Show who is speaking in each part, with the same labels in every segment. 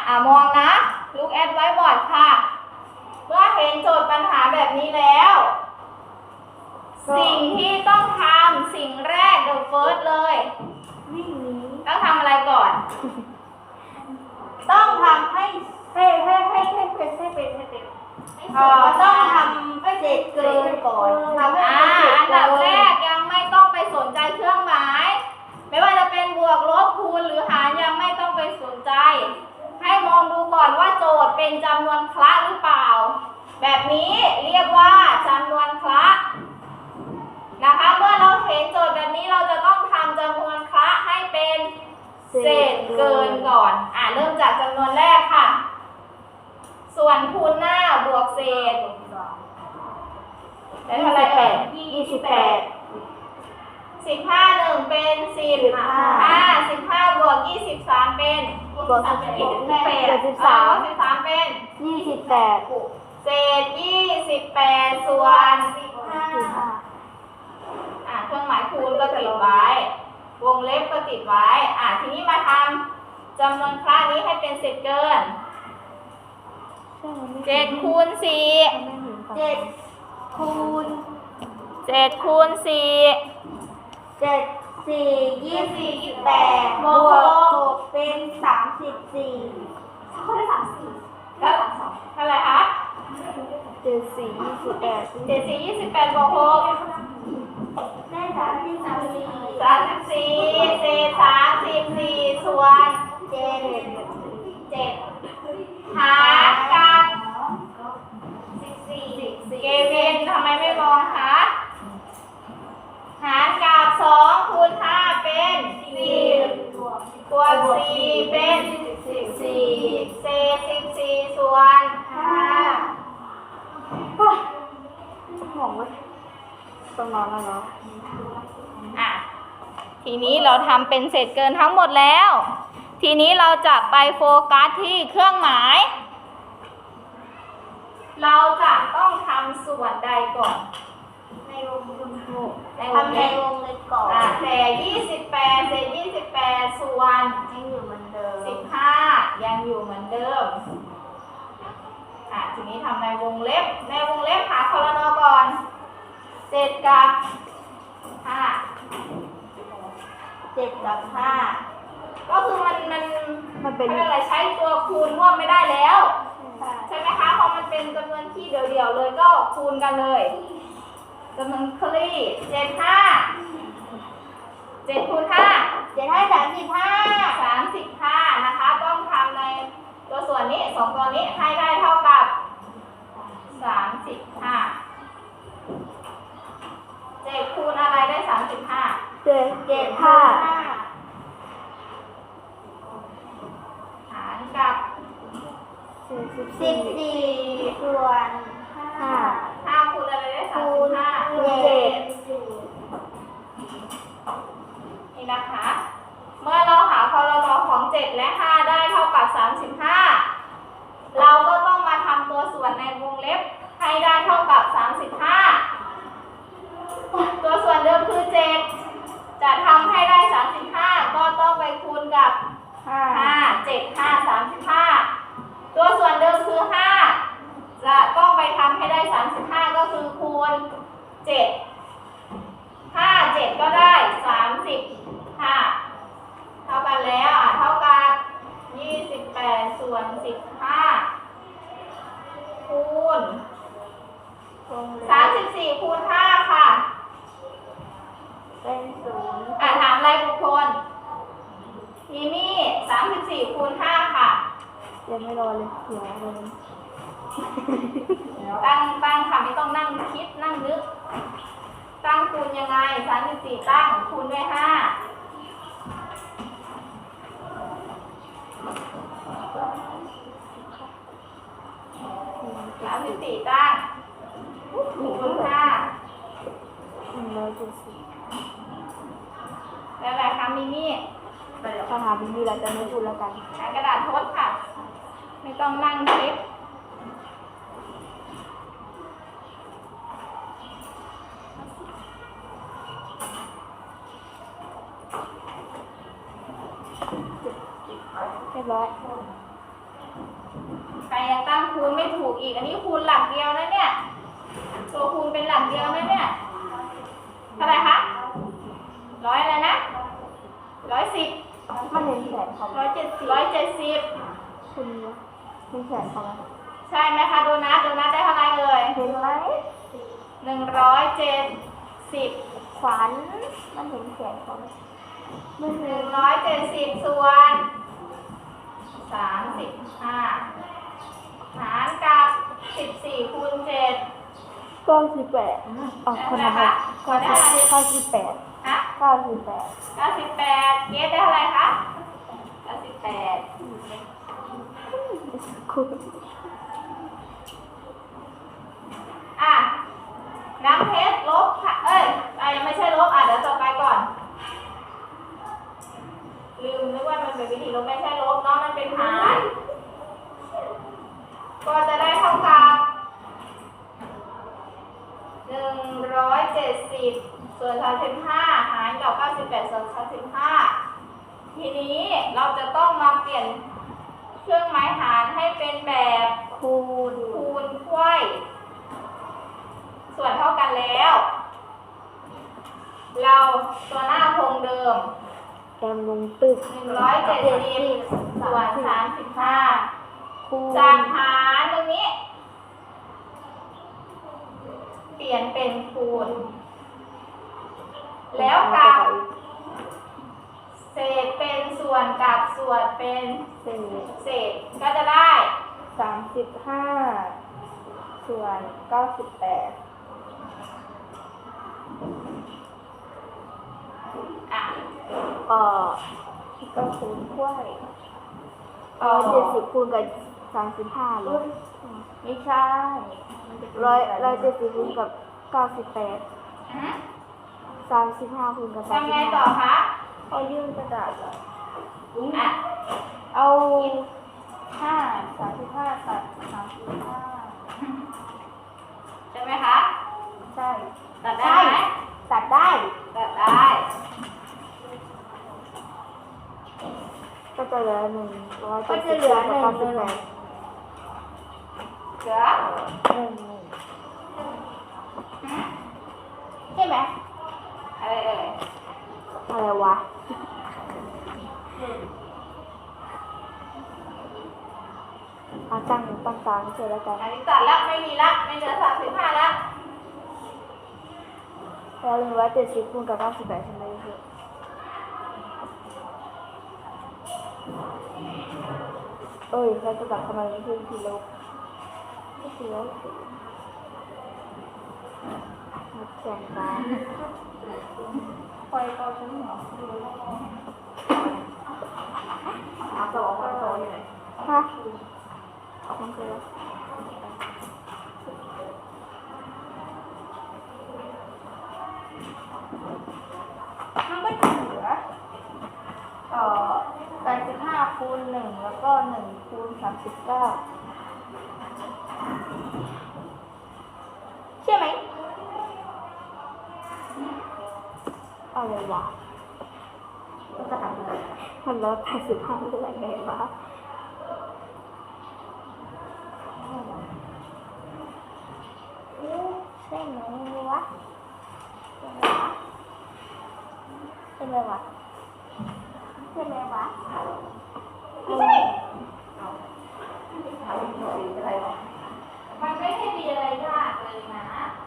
Speaker 1: มองนะลูกแอดไว้บอร์ดค่ะเมื่อเห็นโจทย์ปัญหาแบบนี้แล้วสิ่งที่ต้องทำสิ่งแรกเดอะเฟิร์สเลยต้องทำอะไรก่อน
Speaker 2: ต้องทำให้เป็นต้องทำให้เสร็จเกินก่อนทำให้
Speaker 1: อันดับแรกยังไม่ต้องไปสนใจเครื่องหมายไม่ว่าจะเป็นบวกลบคูณหรือหารยังไม่ต้องไปสนใจให้มองดูก่อนว่าโจทย์เป็นจำนวนคละหรือเปล่าแบบนี้เรียกว่าจำนวนคละนะคะเมื่อเราเห็นโจทย์แบบนี้เราจะต้องทำจำนวนคละให้เป็นเศษเกินก่อนเริ่มจากจำนวนแรกค่ะส่วนคูณหน้าบวกเศษได้เท่าไหร่
Speaker 2: 28
Speaker 1: 15 1เป็น10 15บวก23เป็น13เป็น
Speaker 2: 28
Speaker 1: เศษ28ส่วนเครื่องหมายคูณก็ติดไว้วงเล็บก็ติดไว้ทีนี้มาทำจำนวนคละนี้ให้เป็นเศษเกิน7คูณ4
Speaker 2: 7คูณ
Speaker 1: 7คูณ4
Speaker 2: 7 4 28บวก6เป็น34
Speaker 1: ข้อได้34แล้วเท่าไหร่คะ
Speaker 2: 7 4 28
Speaker 1: 28บวก6
Speaker 2: ได้34
Speaker 1: เศษ34ส่วน7หารกับ14เกวินทำไมไม่มองคะหารกับ2คูณ5เป็น10บวก4เป็น14เศษ14ส่วน5
Speaker 2: หงเลยต้องนอนแล้วเนาะ
Speaker 1: ทีนี้เราทำเป็นเศษเกินทั้งหมดแล้วทีนี้เราจะไปโฟกัสที่เครื่องหมายเราจะต้องทำส่วนใดก่อน
Speaker 2: ในวงทำในวงเลยก่อน
Speaker 1: แต่28เศษ28ส่วน
Speaker 2: ยังอยู่เหมือนเดิม
Speaker 1: 15ยังอยู่เหมือนเดิมทีนี้ทำในวงเล็บหาคลน.ก่อน7กับ5ก็คือมันเป็นอะไรใช้ตัวคูณร่วมไม่ได้แล้วใช่ไหมคะเพราะมันเป็นจำนวนที่เดี่ยวๆเลยก็คูณกันเลยจำนวนคลี่7คูณ5 35นะคะต้องทำในตัวส่วนนี้2ตัวนี้ให้ได้เท่ากับ35 7คูณอะไรได้35
Speaker 2: 7 5
Speaker 1: หารกับ
Speaker 2: 14ส่วน
Speaker 1: 5คูณอะไรได้35 นี่นะคะเมื่อเราหาคลน.ของ7และ5ได้เท่ากับ35เราก็ต้องมาทำตัวส่วนในวงเล็บให้ได้เท่ากับ35ตัวส่วนเดิมคือ7จะทำให้ได้35ก็ต้องไปคูณกับ5 7 5 35ตัวส่วนเดิมคือ5จะต้องไปทำให้ได้35ก็คือคูณ7 5 7ก็ได้35เท่ากันแล้วเท่ากับ28ส่วน15คูณ34คูณ5ค่ะ
Speaker 2: เป็น0
Speaker 1: ถามรายบุคคลมีมี่34คูณ5ค่ะ
Speaker 2: ยังไม่รอเลยเดี๋ยวเลย
Speaker 1: ตั้งค่ะไม่ต้องนั่งคิดนั่งนึกตั้งคูณยังไง34ตั้งคูณด้วย5 34ตั้งคูณ5แล้วอะไรคะมิมี่
Speaker 2: คำถามมีอะไรจะไม่พูดแล้วกัน
Speaker 1: กระดาษทดค่ะไม่ต้องนั่งคิด
Speaker 2: เรียบร้อย
Speaker 1: ใครยังตั้งคูณไม่ถูกอีก อันนี้คูณหลักเดียวนะเนี่ย ตัวคูณเป็นหลักเดียวนะเนี่ย เท่าไหร่คะร้อยอะไรนะ110
Speaker 2: มันเห็นแขนเขาไหม
Speaker 1: 170
Speaker 2: คุณเห็นแขนเขาไหม
Speaker 1: ใช่ไหมคะโดนัทได้เท่าไหร่เอ่ย
Speaker 2: เห็นไหม
Speaker 1: 170
Speaker 2: ขวัญมันเห็นแขนเขาไหมไม่เห็น
Speaker 1: 170 ส่วน 35 หารกับ 14 คูณ 7
Speaker 2: 98อ๋อคนละแบบ98
Speaker 1: ฮะ
Speaker 2: 98
Speaker 1: 98 เกสได้เท่าไหร่คะ 98
Speaker 2: คุณ
Speaker 1: อ่ะ น้ำเพชรลบค่ะยังไม่ใช่ลบเดี๋ยวต่อไปก่อน ลืมนึกว่ามันเป็นวิธีลบไม่ใช่ลบเนาะมันเป็นหาร ก็จะได้เท่ากับ170 ส่วน35หารกับ98 ส่วน35ทีนี้เราจะต้องมาเปลี่ยนเครื่องหมายหารให้เป็นแบบ
Speaker 2: คูณ
Speaker 1: คูณไขว้ส่วนเท่ากันแล้ว เราตัวหน้าคงเดิม
Speaker 2: แกมลงตึก
Speaker 1: 170 ส่วน 35
Speaker 2: คูณ
Speaker 1: จากหารตรงนี้ เปลี่ยนเป็นคูณ แล้วกับเศษเป็นส่วนกับส่วนเป็น
Speaker 2: เศษ
Speaker 1: เศษก็จะได้
Speaker 2: 35ส่วน98
Speaker 1: อ่ะ
Speaker 2: ก็คูณกล้วย70คูณกับ35ลบไม่ใช่170คูณกับ98 35คูณกับ
Speaker 1: ทำไงต่อ
Speaker 2: 35
Speaker 1: คะ
Speaker 2: เอายื่นกระดาษเหรอ
Speaker 1: อ่ะ
Speaker 2: เอา35ตัด35
Speaker 1: ใช่ไหมคะ
Speaker 2: ใช่
Speaker 1: ตัดได้ไหม
Speaker 2: ตัดได้
Speaker 1: ตัดได้
Speaker 2: ก็จะเหลือ100
Speaker 1: ก็จะเหลือ
Speaker 2: กับ
Speaker 1: เหลือ ใช่ไหมอะไรเอ่ย
Speaker 2: อะไรวะเอาตั้งกลางเสร็จแล้วกัน
Speaker 1: อันนี้ตัดแล้วไม่มีละไม่เหลือ35แล้ว
Speaker 2: แล้ว170คูณกับ98ทำไมเยอะเราจะตัดทำไมไม่ขึ้นทีลบไม่ทีลบมาแข่งกัน
Speaker 1: คอยก็ฉันเหรอสองอยู่ไหน
Speaker 2: ฮะมันคืออะไร
Speaker 1: มันก็จะเหลือ
Speaker 2: 85คูณ1แล้วก็1คูณ39
Speaker 1: ใช่ไหม
Speaker 2: อะไรวะ
Speaker 1: มันจะทำอะไร
Speaker 2: มันลด85ได้ยังไงวะใช่ไหมวะใช่ไหมวะใช่ไหมวะ
Speaker 1: ไม่ใช่มันไม่ใช่มีอะไรยากเลยนะ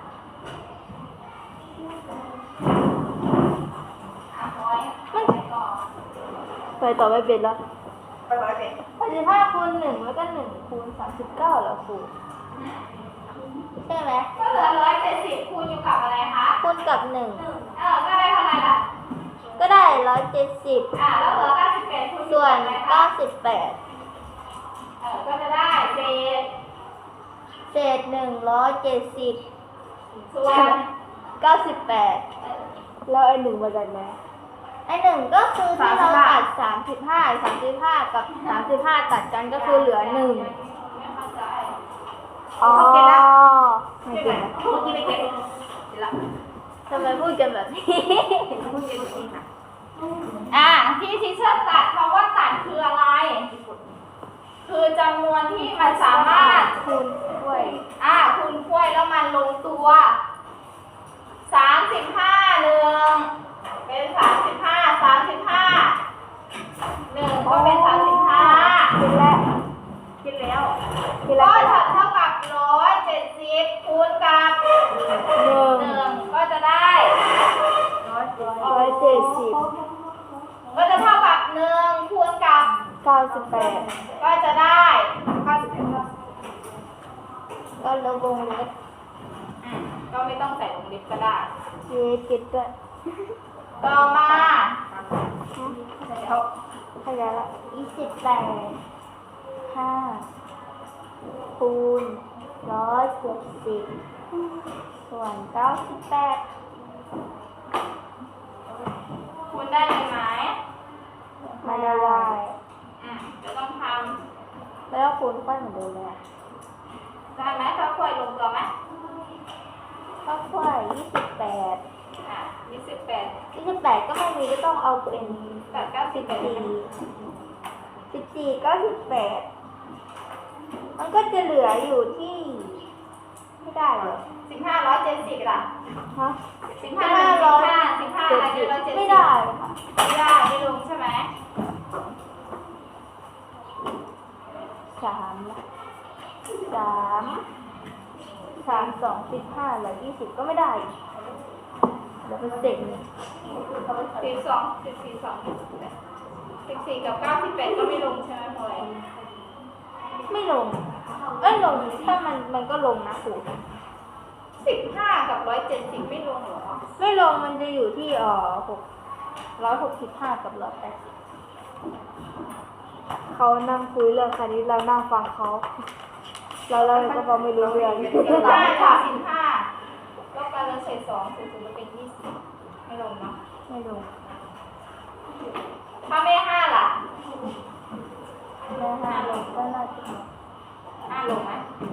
Speaker 1: พอยไปก่อน
Speaker 2: ไปต่อไม่เป็นแล้ว
Speaker 1: ไปร้อยเป็น
Speaker 2: 85คูณ1แล้วก็1คูณ39แล้วครูใช่ไหม
Speaker 1: ก็เหลือ170คูณอยู่กับอะไรคะ
Speaker 2: คูณกับ1
Speaker 1: ก็ได้เท่าไหร่ล่ะ
Speaker 2: ก็ได้170
Speaker 1: แล้วเหลือ98คูณอยู่
Speaker 2: ส่ว
Speaker 1: กับ
Speaker 2: น
Speaker 1: อะไรคะ
Speaker 2: 98
Speaker 1: ก็จะได้เศษ
Speaker 2: เศษ170
Speaker 1: ส่วน
Speaker 2: 98แล้วไอ้1มาจากไหนไอ้1ก็คือที่เราตัด35กับ35ตัดกันก็คือเหลือ1อ๋อไม่เก็บนะ
Speaker 1: เมื่อกี้ไม่เก็บแล้ว
Speaker 2: ทำไมพูดกันแบบนี้
Speaker 1: พูดเก็บจริงค่ะที่ทิเชอร์ตัดคำว่าตัดคืออะไร คือจำนมันสามารถ
Speaker 2: คูณด้วย
Speaker 1: คูณถ้วยแล้วมันลงตัว 35 เป็น 1 ก็เป็น 35
Speaker 2: คิดแล้ว
Speaker 1: คิดแล้วก็เท่ากับ170คูณกับ 1ก็จะได้
Speaker 2: 170
Speaker 1: ก็จะเท่ากับ1คูณกับ
Speaker 2: 98
Speaker 1: ก็จะได้
Speaker 2: ก็ลบวงเล็บ
Speaker 1: ก็ไม่ต้องใส่วงเล็บก็ได้
Speaker 2: เย็ดกิดด้วย
Speaker 1: ต่อมา
Speaker 2: ขยายละ28 5คูณ170ส่วน98
Speaker 1: คูณได้ไหม
Speaker 2: ไม่ได้
Speaker 1: จะต้องท
Speaker 2: แล้วคูณค่อยเหมือนเดิมเลย
Speaker 1: ำได้ไหมถ้าค่อยลงตัวไหม
Speaker 2: ก็ค่อย28
Speaker 1: 28
Speaker 2: ก็ไม่มีก็ต้องเอาเป็น
Speaker 1: 8 9 10
Speaker 2: 14ก็18มันก็จะเหลืออยู่ที่ไม่ได้เหรอ
Speaker 1: 1570ล่ะ
Speaker 2: ฮะ
Speaker 1: 15อะไร170
Speaker 2: ไม่ได้ค่ะ
Speaker 1: ไม่ได้ไม่ลงใช่ไหม
Speaker 2: 3 2 15เหลือ20ก็ไม่ได้เหลือเป็นเศษ
Speaker 1: 14กับ98ก็ไม่ลงใช่ไหมพลอย
Speaker 2: ไม่ลงลงถ้ามันก็ลงนะครู
Speaker 1: 15กับ170ไม่ลงเหรอ
Speaker 2: ไม่ลงมันจะอยู่ที่165กับ180เขานั่งคุยเรื่องคณิตเรานั่งฟังเขาเราก็ฟังไม่รู้เรื่อง
Speaker 1: 15ค่ะ15ก็การเศษ2เศษ0ก็เป็น20ไม่ลงเนาะ
Speaker 2: ไม่ลง
Speaker 1: ถ้าไม่5ล่ะ
Speaker 2: แล้ว5ลงก็น่าจะ
Speaker 1: 5ลงไหม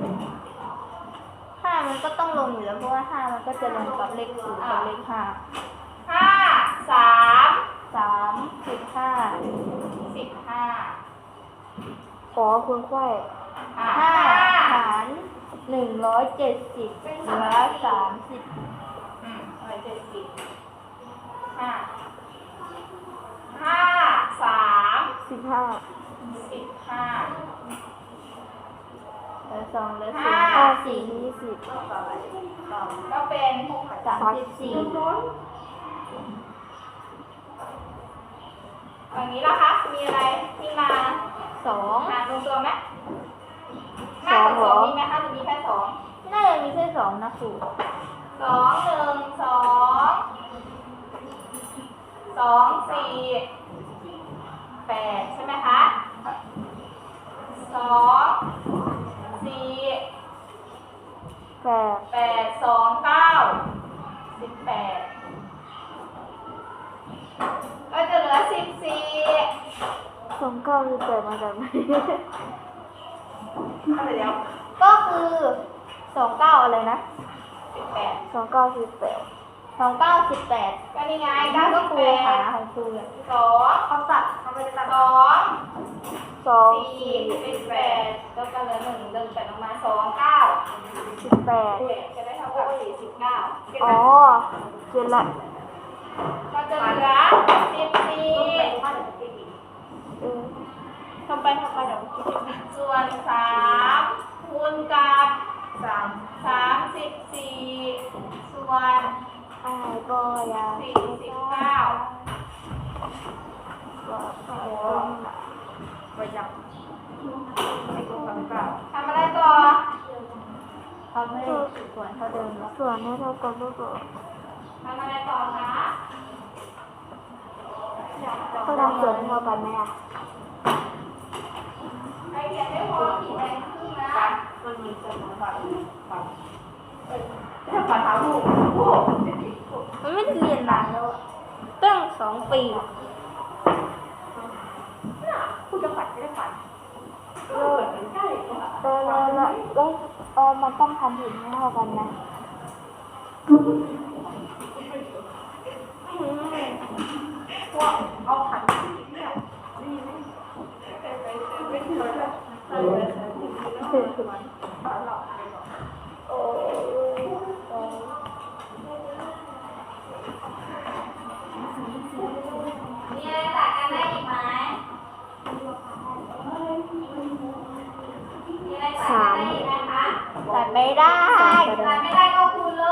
Speaker 2: 5มันก็ต้องลงอยู่แล้วเพราะว่า5มันก็จะลงกับเลข0กับเลข5
Speaker 1: 5 3
Speaker 2: 15
Speaker 1: 15
Speaker 2: ขอคุณค่อย 5 หาร170เหลือ30
Speaker 1: 170 5 3
Speaker 2: 15
Speaker 1: 15
Speaker 2: เหลือ2เหลือ
Speaker 1: ห้า
Speaker 2: 4 5 4 20
Speaker 1: ก็เป็น
Speaker 2: 34
Speaker 1: อย่างนี้ล่ะคะ มีอะไรที่มา
Speaker 2: 2
Speaker 1: หารลงตัวไหมมากกว่า2มีไหมคะหรือมีแค่2
Speaker 2: น่าจะมีแค่2นะครู
Speaker 1: 2 1 2 2 4 8ใช่ไหมคะ2 4
Speaker 2: 8
Speaker 1: 8 2 9 18ก็จะเหลือ14
Speaker 2: 2 9คือ8มาจากไหน
Speaker 1: อะไรเดี๋ยว
Speaker 2: ก็คือ29อะไรนะ
Speaker 1: 18
Speaker 2: 29คือ8 29 18
Speaker 1: ก็นี่ไง
Speaker 2: ก็ครูหา
Speaker 1: 98
Speaker 2: ของครูเลย
Speaker 1: 2เขาตัดเขาไม่ได้ตัด2
Speaker 2: 2
Speaker 1: 4 18แล้วก็เหลือ1 1 8ออกมา2 9
Speaker 2: 18
Speaker 1: จะได้เท่ากับ49
Speaker 2: อ๋อเจนละ
Speaker 1: ก็จะเหลือ14
Speaker 2: ทำไปเดี๋ยวคิด
Speaker 1: ส่วน3คูณกับ34ส่วน
Speaker 2: อ้ายก็ยา
Speaker 1: 49
Speaker 2: ก็ไปจับ
Speaker 1: ทำอะไรต่อ
Speaker 2: เขาไม่ส่วนเท่าเดิมแล้วส่วนให้เท่ากันก็
Speaker 1: ทำอะไรต่อคะ
Speaker 2: ก็ทำส่วนให้เท่ากันไหมอ่ะ
Speaker 1: ใครเขียนไม่พอขีดแดงครึ่งนะ
Speaker 3: มันมีจำนวนบัตรถ้าบัตรหาผู้
Speaker 2: มันไม่ได้เรียนนานแล้วอะตั้ง2 ปี
Speaker 3: ผู้จะบัตรไม่ได้บัตรใช่กว่า
Speaker 2: แล้วมันต้องทำถึงให้เท่ากันนะ
Speaker 3: ว่าเอาขันเนี่ยนี่ไม่เคยไปไม่เคยเลย
Speaker 2: โอ้ย
Speaker 1: มีอะไรตัดกันได้อีกไหมมีอะไรตัดกันได้อีกไหมคะ
Speaker 2: ตัดไม่ได้
Speaker 1: ตัดไม่ได้ก็คูณเลย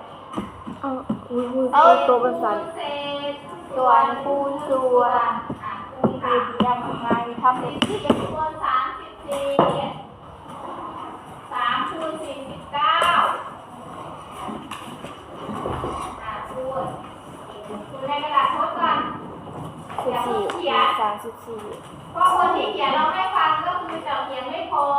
Speaker 2: เอาตัวเป็นสัน
Speaker 1: คูณเศษ
Speaker 2: ส่วนคูณส่วน
Speaker 1: คูณค่ะ
Speaker 2: ยังไงทำเป็นที่เป็น
Speaker 1: คูณ34 3คูณ49คูณในกระดาษทดก่อน
Speaker 2: 14 34
Speaker 1: เพราะคนที่เขียนเราไม่ฟังก็คือจะเขียนไม่พอ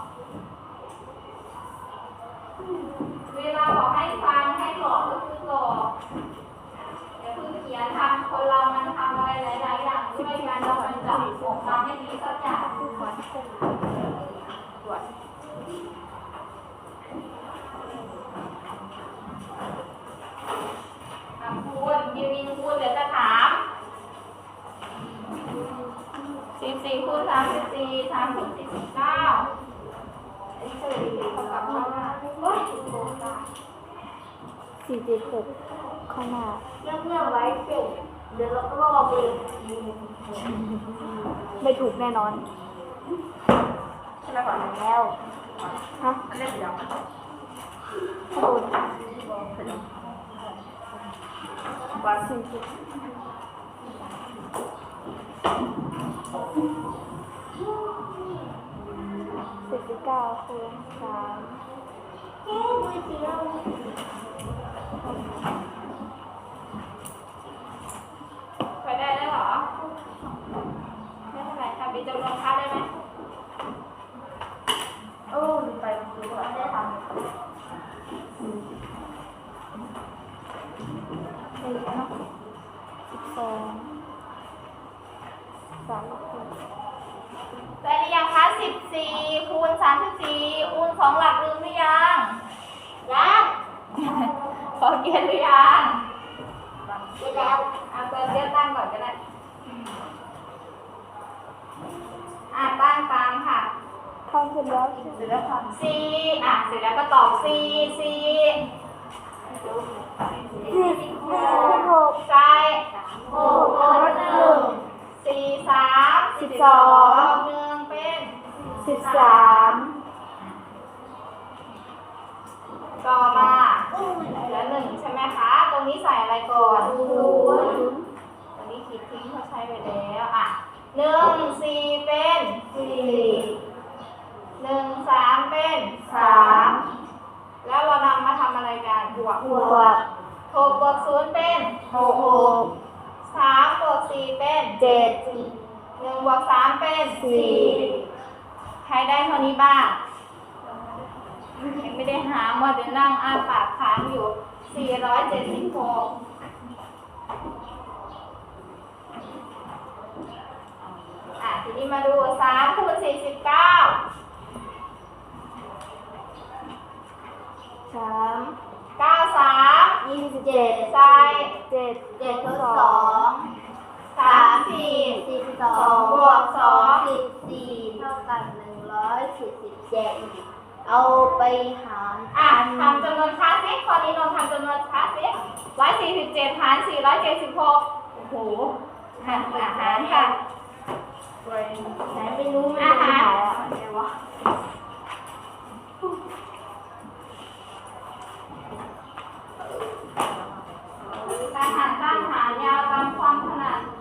Speaker 1: เวลาบอกให้ฟังให้หลอกก็คือหลอกอย่าเพิ่งเขียนทำคนเรามันทำอะไรหลายๆอย่างด้วยกันเรามันจะออกมาไม่ดีสักอย่างคูณยืนคูณเดี๋ยวจะถาม14คูณ34 3คูณ49เท่ากับเท่าไหร่โอ๊ย
Speaker 2: 476ข้างหน้า
Speaker 3: เรื่องไว้เก่งเดี๋ยวเราก็รอเอง
Speaker 2: ไม่ถูกแน่นอน
Speaker 3: ใช่ไหมก่อน
Speaker 2: แล้ว ฮะ
Speaker 3: เล่นเดี๋ยว
Speaker 2: โอ้ย
Speaker 3: วัน
Speaker 2: 49คูณ3
Speaker 1: ไปได้แล้วเหรอ ไม่เป็นไรทำเป็นจำนวนค่าได้ไหม
Speaker 3: โอ้ลืมไปคือว่าได้ทำ ได้หรือยังคะ14คูณ34คูณ2หลักลืมหรือยังยังพอเขียนหรือยังเขียนแล้วเอาตัวเรียกตั้งก่อนก็ได้ตั้งตามค่ะ
Speaker 2: ทำเสร็จแล้ว
Speaker 3: เสร็จแล้วค่ะ
Speaker 1: 4เสร็จแล้วก็ตอบ4 4
Speaker 2: 16
Speaker 1: ใช่6ลบ1 4 3 12 1เป็น
Speaker 2: 13
Speaker 1: ต่อมาเหลือ1ใช่ไหมคะ ตรงนี้ใส่อะไรก่อนตรงนี้ขีดทิ้งเขาใช้ไปแล้ว1 4เป็น4 1 3เป็น3แล้วเรานำมาทำอะไรกันบวก
Speaker 2: บวก
Speaker 1: 6บวก0เป็น
Speaker 2: 6
Speaker 1: 3บวก4เป็น
Speaker 2: 7
Speaker 1: 1บวก3เป็น
Speaker 2: 4
Speaker 1: ใครได้เท่านี้บ้างยังไม่ได้หามาเดี๋ยวนั่งอ้าปากค้างอยู่476ทีนี้มาดู3คูณ49
Speaker 2: 3
Speaker 1: 93
Speaker 2: 27
Speaker 1: ใส่
Speaker 2: 7
Speaker 3: 7ทด
Speaker 1: 3 4
Speaker 3: 2
Speaker 1: บวก2
Speaker 3: 14เท่ากัน147เอาไปหาร
Speaker 1: ทำจำนวนค่าซิข้อนี้นนท์ทำจำนวนค่าซิ147หาร476โอ้โหหารค่ะ
Speaker 3: ไหนไม่รู้มัน
Speaker 1: อาหาร
Speaker 3: อะไรวะ
Speaker 1: การหารสั้นหารยาวตามความถนัด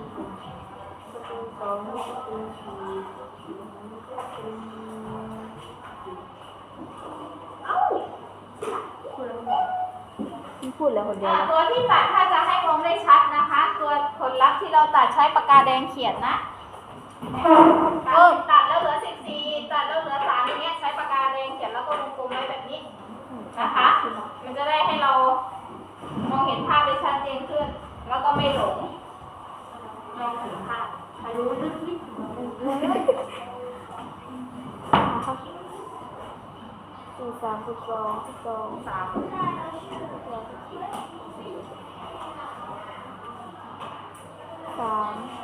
Speaker 2: พูดแล้วคนเดียว
Speaker 1: ตัวที่ตัดถ้าจะให้มองได้ชัดนะคะ ตัวผลลัพธ์ที่เราตัดใช้ปากกาแดงเขียนนะตัดแล้วเหลือ14ตัดแล้วเหลือ3อย่างเงี้ยใช้ปากกาแดงเขียนแล้วก็วงกลมไว้แบบนี้นะคะ มันจะได้ให้เรามองเห็นภาพได้ชัดเจนขึ้น แล้วก็ไม่หลงมองเห็นภาพ
Speaker 3: ใครรู้ลึกนิด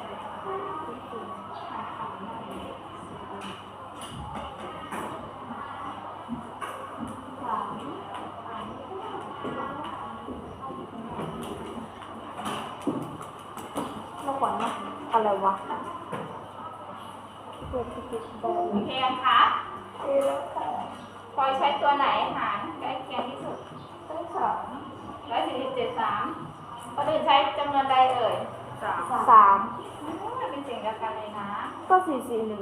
Speaker 2: 3 อะไรวะ
Speaker 1: โอเคยังคะพลอยใช้ตัวไหนหารใกล้เคียงที่สุด147.3คนอื่นใช้จำนวนใดเอ่ย
Speaker 2: สาม
Speaker 1: เป็นเสียงเดียวกันเลยนะ
Speaker 2: ก็441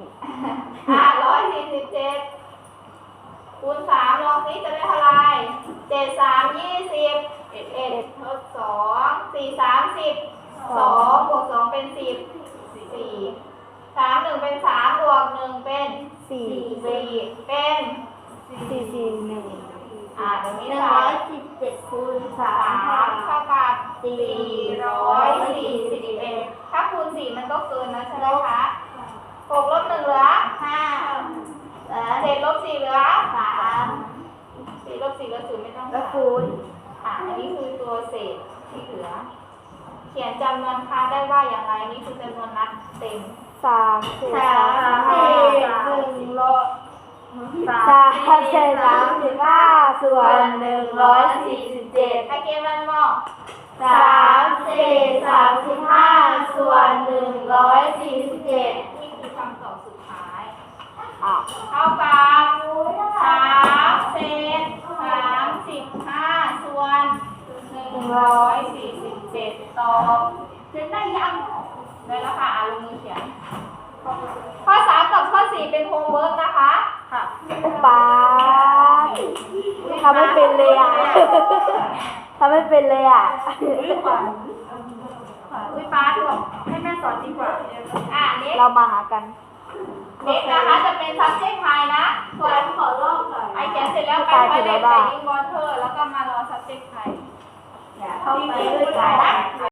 Speaker 1: 147คูณ3ลองซิจะได้เท่าไหร่7 3 20 11ทด2 4 3 10 2บวก2เป็น10 4 3 1เป็น3บวก1เป็น4เป็น
Speaker 2: 441
Speaker 1: ตรงนี้เท่าไหร่
Speaker 3: 117คูณ
Speaker 1: 3เท่ากับ441ถ้าคูณ4มันก็เกินนะใช่ไหมคะ6ลบ1เหลือ
Speaker 3: 5
Speaker 1: 7ลบ4เหลือ
Speaker 3: 3
Speaker 1: 4ลบ4เหลือ0ไม่ต้อง
Speaker 3: แล้ว
Speaker 1: หาร
Speaker 3: คูณ
Speaker 1: อันนี้คือตัวเศษที่เหลือ เขียนจำนวนค้าได้ว่าอย่างไรนี่คือจำนวนนัดเต็ม
Speaker 2: 3 เศษ
Speaker 3: 1 ลบ
Speaker 2: 3 เศษ35ส่วน147
Speaker 1: ไอเกมมันบอก
Speaker 3: 3 เศษ35ส่วน147
Speaker 1: นี่คือคำตอบสุดท้าย
Speaker 2: อ้าว
Speaker 1: เท่ากับ3เศษ35ส่วน147ตอบเขียนได้ยังได้แล้วค่ะลงมือเขียนข้อ3กับข้อ4เป็นโฮมเวิร์กนะคะค่ะ
Speaker 2: อุปาทำไม่เป็นเลยอ่ะ ทำไม่เป็นเลยอ่ะ
Speaker 1: อุ้ยป้าบอกให้แม่สอนดีกว่าเน็ก
Speaker 2: เรามาหากัน
Speaker 1: เน็กนะคะจะเป็น subject ไทยนะส่วนขอลอกหน่อยไอเขียนเสร็จแล้วไปไฟเล็กไปยิงวอเตอร์แล้วก็มารอ subject ไทย
Speaker 3: เข้าไปด้วยกัน